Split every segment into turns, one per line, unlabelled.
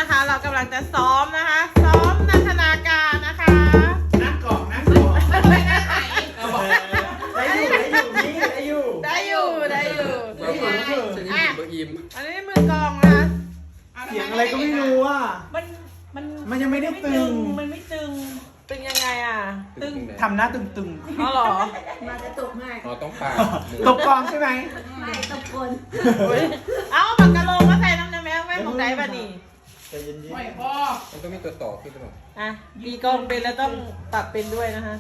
นะคะ เรากำลังจะซ้อมนะคะ ซ้อมนันทนาการนะคะ
นั่งกล่องนั่งกล่อง
ไม่ได้ไหน
ได้อยู่
ได้อยู่ได้อยู่
เบอร์อิม
อันนี้มือกองนะคะ
เสียงอะไรก็ไม่รู้อ่ะ มันยังไม่ได้ตึง
มันไม่ตึง
ตึงยังไงอ่ะ
ตึง
ทำหน้าตึง
อ๋อเหรอ
มาจะตกมาก
เราต้องปา
ๆตกกองใช่ไหม
ไม่ตกคน
เอาปากกะโลมาใส่น้ำแม่ไม่ของใจป่ะนี่
ใจเย็น
มันต้องมีตัวต่อขึ้นหรือเปล่า
อ่ะตีกองเป็นแล้วต้องปรับเป็นด้วยนะคะ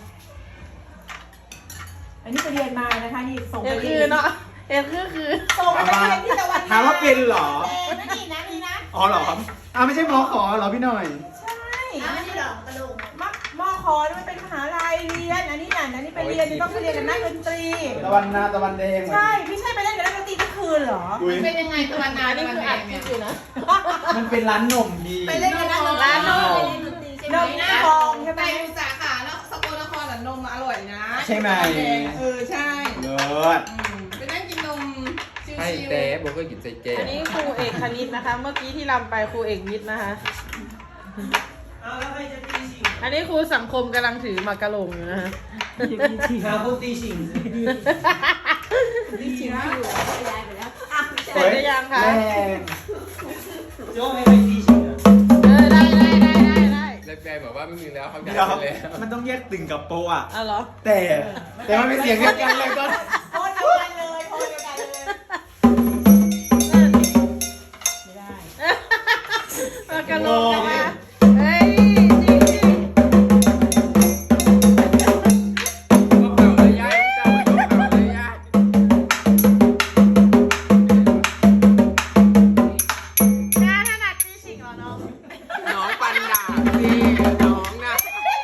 อันนี้ไปเรียนมานะคะนี่ส่ง
เอ
ไป
ว
เรี
คื
ย
อน เนาะเอวคือ
ส่งไปเรียนที่ตะวัน
ถามว่าเป็นเหรอ
นี่นะนี่นะ
อ๋อเหรอไม่ใช่หมอขอเหรอพี่หน่อย
ใช่ไม่ใช่หรอกกระโหลกมอคอนี่มันเป็นมหาลัยเรียนอันนี้น่ะอันนี้ไปเรียนนี่ต้องไปเรียนกับนักดนตรี
ตะวันนาตะวันแดง
ใช่ไม่ใช่ไปเล่นกับนักดนตรีทุกคืนเหรอ
อุ๊ย
เป็นยังไงตะวันนา
อันนี้
ตะวัน
คือ
แด
อัด
ง
คลิ
เนี่
ป
ย
อยู่นะ
มันเป็นร้านนมดี
ไปเล่นกับนักดนตรี
ร้านนม
นมฟองใช่ไหม
ไปดูสาขาแล้วสกลนครนมอร่อยนะ
ใช่ไหม
ใช่
เลิศ
ไปนั่งกินนมชิว
ให้
ๆ
แต่บอกก็กินใส่แก้
อันนี้ครูเอกคณิตนะคะ เมื่อกี้ที่รำไปครูเอกวิทย์นะคะ อันนี้ครูสังคมกำลังถือหมากกะโหลงอยู่นะคะ
พูดตีชิง
ย้ายไปแล้ว
เสร็จหรือยังคะ
แรง
โจ้ไม่ไปตีชิงอ่ะ
ได้
แล้วแกบอกว่าไม่มีแล้วเขาอยาก
เดี๋ยว
ไปแล้ว
มันต้องแยกตึงกับโปะอ่ะ
เอาเหรอ
แต่มันเป็นเสียงเดียวกันเลยก็
โพสเดียวกันเลยโพสเดียวกันเลยไม่ได้
หมากกะโหลงนะคะเฮ้ยจริง
ก็เป่าเลยยายเจ้าก็เป่าเลยยาย
ๆน้าถนัดตีชิงเหรอน้อง
น้องปันดาสิน้องนะ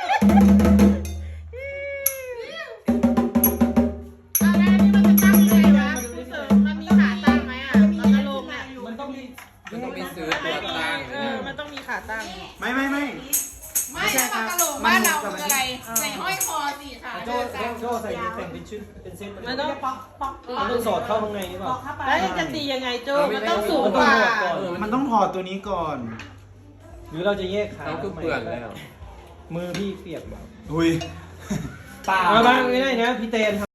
เอาแล้วอันนี้มันจะตั้งยังไงวะครูเสริมมันมีขาตั้งไหมอ่ะหมากกะโหลงอ่ะ
มันต้องมี
มันต้องมีซื้อตัวตั้ง
มันต้องมีขาตั้ง
ไม่
ไม่ใช่ปลากระโหลกบ้านเราคืออะไรใส่ห้อยคอสิค่ะ
โจ้โจ้ใส่แต่งเป็นชุดเป็นเซต
มันต้อง
ปอกปอก
มันต้องสอดเข้าข้างในหรือเป
ปอ
ล่าก
เข้าไป
แล้วจะตียังไงโจ้มันต้องสูง
มัน
ก
ต้อง
ว่า
หดก่อน
มันต้องถอดตัวนี้ก่อน
หรือเราจะแยกขา
น้องคือเปื่อนแล้ว
มือพี่เปียกแบบ
อุ้ย
มาบ้างไม่ได้นะพี่เตน